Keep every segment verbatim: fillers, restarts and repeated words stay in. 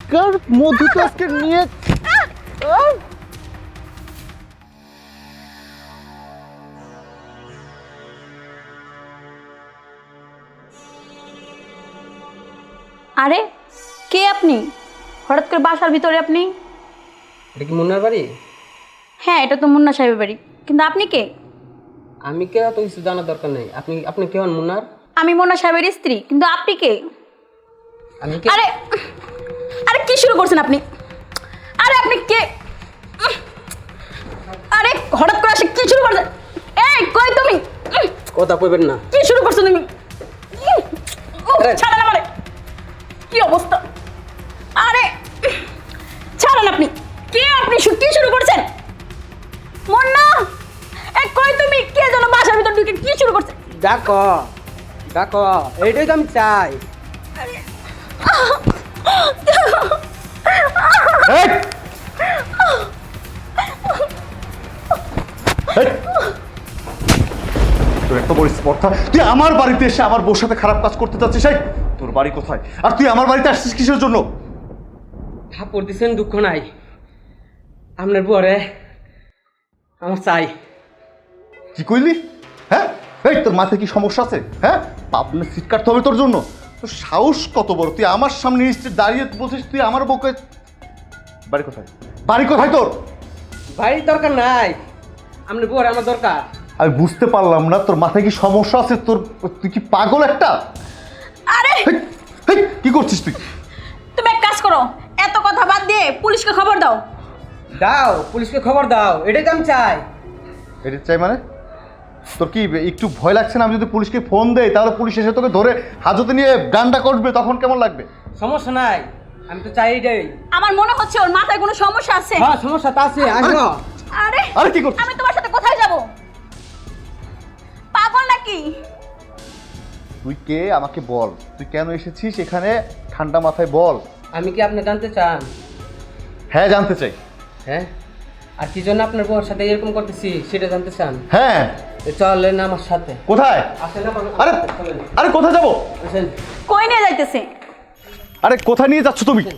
চিৎকার মধু তো আজকে নিয়ে আরে কে আপনি? হঠাৎ করে বাসার ভিতরে আপনি? এটা কি মুন্নার বাড়ি? হ্যাঁ, এটা তো মুন্না সাহেবের বাড়ি, কিন্তু আপনি কে? আমি কে তো কিছু জানার দরকার নেই। আপনি আপনি কে হন মুন্নার? আমি মুন্না সাহেবের স্ত্রী, কিন্তু আপনি কে? আমি কে? আরে আরে কি শুরু করছেন আপনি? আরে আপনি কে? আরে হঠাৎ করে আসে কি শুরু করছেন? এই কই তুমি? কথা কইবেন না। কি শুরু করছো তুমি? আরে। ছাড়েন আমারে। কি অবস্থা? আরে ছাড়েন আপনি। কে আপনি? শু- কি শুরু করছেন? মুন্না, এই কই তুমি? কে যেন বাসার ভিতর ঢুকে কি শুরু করছে? ডাকো ডাকো, এইটাই তো আমি চাই। এই! এই! তোর এত বড় স্পর্ধা, তুই আমার বাড়িতে এসে আমার বউর সাথে খারাপ কাজ করতে চাচ্ছিস? এই তোর বাড়ি কোথায়, আর তুই আমার বাড়িতে আসছিস কিসের জন্য? থাপ্পড় দিছেন, দুঃখ নাই। আপনার পরে আমার চাই। কি কইলি? হ্যাঁ, এই তোর মাথায় কি সমস্যা আছে? হ্যাঁ, পাবনা সিট কাটতে হবে তোর জন্য? তোর সাহস কত বড়, তুই আমার সামনে এসে দাঁড়িয়ে বলছিস তুই আমার বউকে। বাড়ি কোথায়? বাড়ি কোথায় তোর? বাড়ির দরকার নাই, আপনার পরে আমার দরকার। আমি বুঝতে পারলাম না, তোর মাথায় কি সমস্যা আছে? তোর তুই কি পাগল একটা? আরে হেই, হেই, কি করছিস তুই? তুমি এক কাজ করো, এত কথা বাদ দিয়ে পুলিশকে খবর দাও। দাও, পুলিশকে খবর দাও, এটাই তো আমি চাই। এটা চাই মানে? তোর কি একটু ভয় লাগছে না? আমি যদি পুলিশকে ফোন দেই তাহলে পুলিশ এসে তোকে ধরে হাজতে নিয়ে ডান্ডা করবে, তখন কেমন লাগবে? সমস্যা নাই, আমি তো চাই এটাই। আমার মনে হচ্ছে ওর মাথায় কোনো সমস্যা আছে। হ্যাঁ, সমস্যা তো আছে। আসো। আরে আরে কি করছিস? আমি তোমার সাথে কোথায় যাব? পাগল নাকি? তুই কে আমাকে বল, তুই কেন এসেছিস এখানে? ঠান্ডা মাথায় বল। আমি কি আপনি জানতে চান? হ্যাঁ, জানতে চাই। হ্যাঁ, আর কি জন্য আপনার বউর সাথে এরকম করতেছি সেটা জানতে চান? হ্যাঁ। তো চলেন আমার সাথে। কোথায়? আসেন না, আরে চলেন। আরে কোথায় যাবো? আসেন। কই নিয়ে যাইতেছে? আরে কোথায় নিয়ে যাচ্ছ তুমি?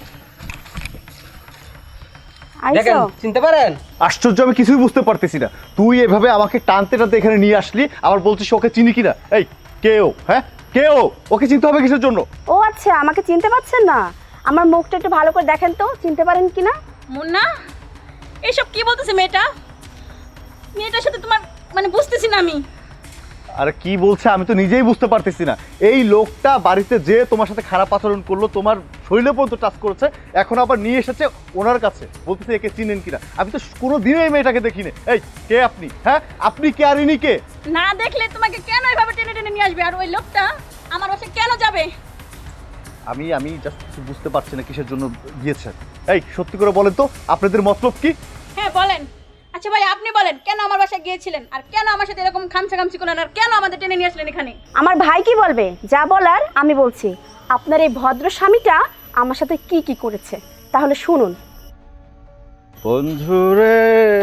দেখেন, চিনতে পারেন? আশ্চর্য, আমি কিছুই বুঝতে পারতেছি না। তুই এভাবে আমাকে টানতে টানতে এখানে নিয়ে আসলি, আবার বলছিস ওকে চিনি কিনা। এই কে ও? হ্যাঁ, কে ও? ওকে চিনতে হবে কিসের জন্য? ও আচ্ছা, আমাকে চিনতে পারছেন না? আমার মুখটা একটু ভালো করে দেখেন তো, চিনতে পারেন কিনা? মুন্না, এইসব কি বলতেছে মেয়েটা? মেয়েটার সাথে তোমার মানে বুঝতেছি না আমি। আরে কি বলছে আমি তো নিজেই বুঝতে পারতেছি না। এই লোকটা বাড়িতে যে তোমার সাথে খারাপ আচরণ করলো, তোমার শরীরে পর্যন্ত টাচ করেছে, এখন আবার নিয়ে এসেছে ওনার কাছে, বলতেছে একে চিনেন কিনা। আমি তো কোনো দিনই এই মেয়েটাকে দেখিনি। এই কে আপনি? হ্যাঁ, আপনি কে আর ইনি কে? না দেখলে তোমাকে কেন এইভাবে টেনে টেনে নিয়ে আসবে? আর ওই লোকটা আমার বাসায় কেন যাবে? আমি আমি জাস্ট কিছু বুঝতে পারছি না কিসের জন্য গিয়েছে। এই সত্যি করে বলেন তো, আপনাদের মতলব কি? হ্যাঁ বলেন। আচ্ছা ভাই, আপনি বলেন কেন আমার বাসায় গিয়েছিলেন, আর কেন আমার সাথে এরকম খামচা খামচি করলেন, আর কেন আমাদের টেনে নিয়ে আসলেন এখানে? আমার ভাই কি বলবে? যা বলার আমি বলছি। আপনার এই ভদ্র স্বামীটা আমার সাথে কি কি করেছে তাহলে শুনুন। বন্ধুরে,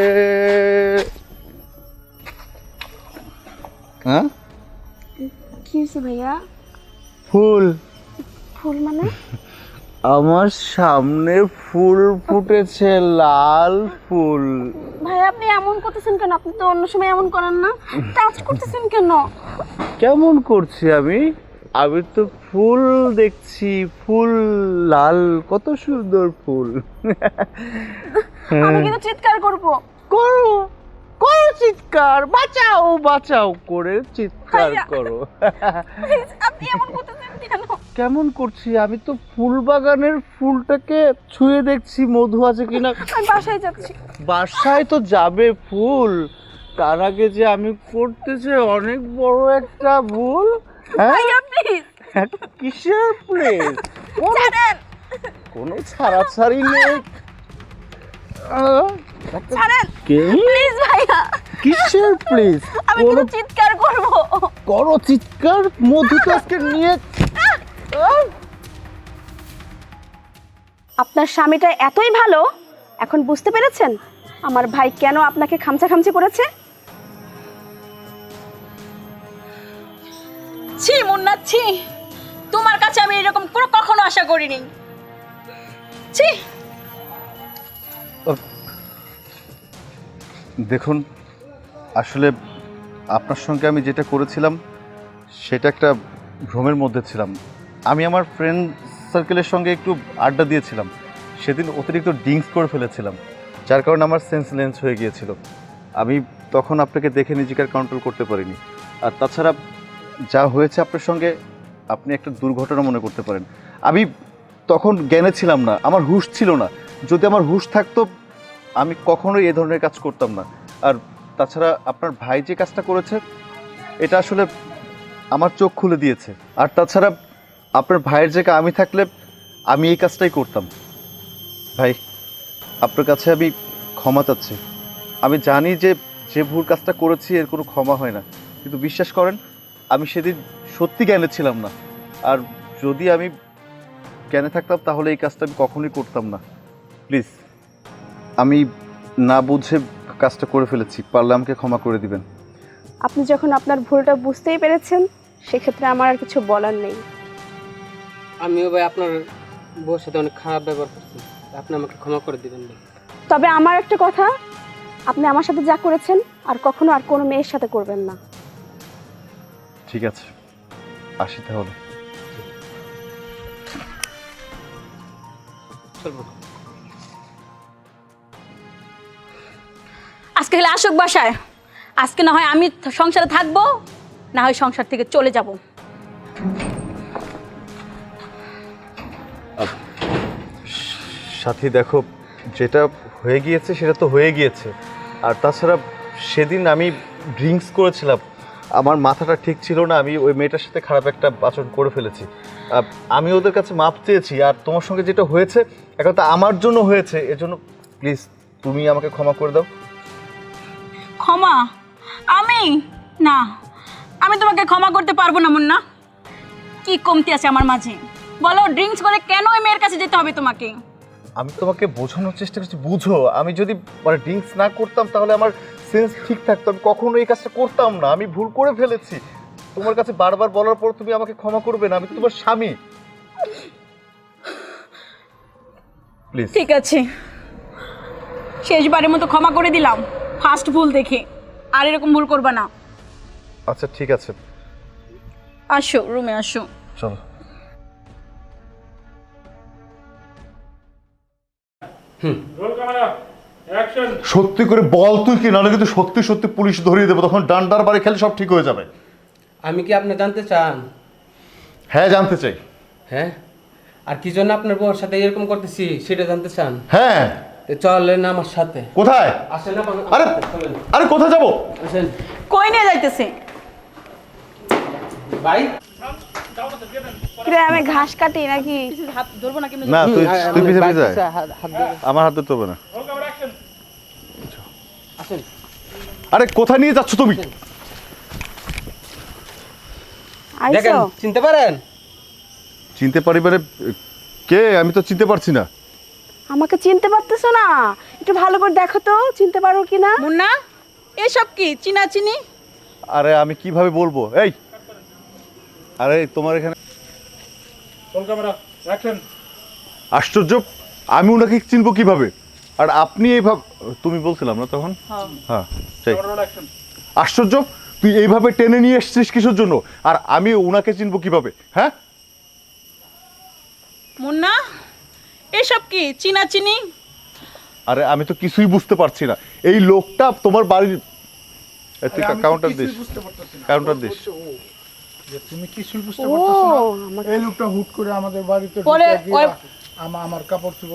হ্যাঁ, কি হয়েছে ভাইয়া? ফুল। ফুল মানে? আমার সামনে ফুল ফুটেছে, লাল ফুল। ভাই আপনি এমন করতেছেন কেন? আপনি তো অন্য সময় এমন করেন না। টাচ করতেছেন কেন? কেমন করছি আমি? আমি তো ফুল দেখছি, ফুল লাল, কত সুন্দর ফুল। আমি কিন্তু চিৎকার করব। করো করো চিৎকার, বাঁচাও বাঁচাও করে চিৎকার ভাইয়া। করো। Please, আপনি এমন করতেছেন কেন? কেমন করছি? আমি তো ফুল বাগানের ফুলটাকে ছুঁয়ে দেখছি মধু আছে কিনা। আমি বাসায় যাচ্ছি। বাসায় তো যাবে ফুল, তার আগে যে আমি করতেছে অনেক বড় একটা ভুল। হ্যাঁ, ভাইয়া প্লিজ একটা কিসের প্লেস? ছাড়েন। কোনো ছাড়াছাড়ি নেই। আহ, একটা ছাড়েন কে? প্লিজ ভাইয়া। কিসের প্লিজ? আমি কিন্তু চিৎকার করব। করো চিৎকার, মধু তো আজকে নিয়ে। আপনার স্বামীটা এতই ভালো, এখন বুঝতে পেরেছেন আমার ভাই কেন আপনাকে খামচা খামচি করেছে? ছি মুন্না, ছি, তোমার কাছে আমি এরকম কোনো কখনো আশা করিনি। ছি। দেখুন, আসলে আপনার সঙ্গে আমি যেটা করেছিলাম সেটা একটা ভ্রমের মধ্যে ছিলাম। আমি আমার ফ্রেন্ড সার্কেলের সঙ্গে একটু আড্ডা দিয়েছিলাম, সেদিন অতিরিক্ত ড্রিঙ্কস করে ফেলেছিলাম, যার কারণে আমার সেন্স লেন্স হয়ে গিয়েছিল। আমি তখন আপনাকে দেখে নিজেকে আর কন্ট্রোল করতে পারিনি। আর তাছাড়া যা হয়েছে আপনার সঙ্গে, আপনি একটা দুর্ঘটনা মনে করতে পারেন। আমি তখন জ্ঞানে ছিলাম না, আমার হুঁশ ছিল না। যদি আমার হুঁশ থাকতো আমি কখনোই এ ধরনের কাজ করতাম না। আর তাছাড়া আপনার ভাই যে কাজটা করেছে এটা আসলে আমার চোখ খুলে দিয়েছে। আর তাছাড়া আপনার ভাইয়ের জায়গায় আমি থাকলে আমি এই কাজটাই করতাম। ভাই, আপনার কাছে আমি ক্ষমা চাচ্ছি। আমি জানি যে যে ভুল কাজটা করেছি এর কোনো ক্ষমা হয় না, কিন্তু বিশ্বাস করেন আমি সেদিন সত্যি জ্ঞানে ছিলাম না। আর যদি আমি জ্ঞানে থাকতাম তাহলে এই কাজটা আমি কখনোই করতাম না। প্লিজ, আমি না বুঝে কাজটা করে ফেলেছি, পারলে আমাকে ক্ষমা করে দিবেন। আপনি যখন আপনার ভুলটা বুঝতেই পেরেছেন, সেক্ষেত্রে আমার আর কিছু বলার নেই। আমিও ভাই আপনার বউর সাথে অনেক খারাপ ব্যবহার করছি, আপনি আমাকে ক্ষমা করে দিবেন ভাই। তবে আমার একটা কথা, আপনি আমার সাথে যা করেছেন আর কখনো আর কোনো মেয়ের সাথে করবেন না। ঠিক আছে, আসি তাহলে। চলবো। আজকে হলে আসুক বাসায়। আজকে না হয় আমি সংসারে থাকবো, না হয় সংসার থেকে চলে যাব। সাথী, দেখো, যেটা হয়ে গিয়েছে সেটা তো হয়ে গিয়েছে। আর তাছাড়া সেদিন আমি ড্রিঙ্কস করেছিলাম, আমার মাথাটা ঠিক ছিল না, আমি ওই মেয়েটার সাথে খারাপ একটা আচরণ করে ফেলেছি। আহ, আমি ওদের কাছে মাপ চেয়েছি। আর তোমার সঙ্গে যেটা হয়েছে এখন তো আমার জন্য হয়েছে, এজন্য প্লিজ তুমি আমাকে ক্ষমা করে দাও। ক্ষমা? আমি না, আমি তোমাকে ক্ষমা করতে পারবো না মুন্না। কি কমতি আছে আমার মাঝে বলো? ড্রিঙ্কস করে কেন ওই মেয়ের কাছে যেতে হবে তোমাকে? আমি তোমাকে বোঝানোর চেষ্টা করছি, বুঝো। আমি যদি মানে ড্রিঙ্কস না করতাম তাহলে আমার সেন্স ঠিক থাকতো, আমি কখনো এই কাজটা করতাম না। আমি ভুল করে ফেলেছি। তোমার কাছে বারবার বলার পর তুমি আমাকে ক্ষমা করবে না? আমি তো তোমার স্বামী। প্লিজ। ঠিক আছে, শেষবারের মতো ক্ষমা করে দিলাম, ফার্স্ট ভুল দেখে। আর এরকম ভুল করবা না। আচ্ছা ঠিক আছে, আসো রুমে আসো। চলো। সত্যি করে বল তুই কি, নাহলে কিন্তু সত্যি সত্যি পুলিশ ধরিয়ে দেবো, তখন ডান্ডার বাড়ি খেলে সব ঠিক হয়ে যাবে। আমি কি আপনি জানতে চান? হ্যাঁ, জানতে চাই। হ্যাঁ, আর কি জন্য আপনার বউর সাথে এরকম করতেছি সেটা জানতে চান? হ্যাঁ। তো চলেন আমার সাথে। কোথায়? আসেন না, আরে চলেন। আরে কোথায় যাবো? আসেন কই নিয়ে যাইতেছে? ভাই। কিরে, আমি ঘাস কাটি নাকি? হাত ধরবো না কেন? না, তুই তুই পিছে পিছে আয়। হাত- হাত ধরে- আমার হাত ধরতে হবে না। আসেন। আরে কোথায় নিয়ে যাচ্ছ তুমি? দেখেন, আইসো? চিনতে পারেন? চিনতে পারি মানে কে? আমি তো চিনতে পারছি না। আমাকে চিনতে পারতেছো না? একটু ভালো করে দেখো তো, চিনতে পারো কিনা। মুন্না, এসব কি চিনা চিনি? আরে আমি কিভাবে বলবো? এই, আরে তোমার এখানে আশ্চর্য, আমি ওনাকে চিনবো কিভাবে? আর আপনি এইভাবে, তুমি বলছিলাম না তখন? হ্যাঁ, সেই আশ্চর্য, তুই এইভাবে টেনে নিয়ে এসছিস কিসের জন্য? আর আমি ওনাকে চিনবো কিভাবে? হ্যাঁ, মুন্না, এসব কি চিনা চিনি? আরে আমি তো কিছুই বুঝতে পারছি না। এই লোকটা তোমার বাড়ির, এই তুই কাউন্টার দিস, কাউন্টার দিস। তুমি কিছুই বুঝতে ও পারতেছো না? আমাকে এই লোকটা হুট করে আমাদের বাড়িতে পরে ঢুকে গিয়ে ওই- আমা- আমার কাপড় চোপড়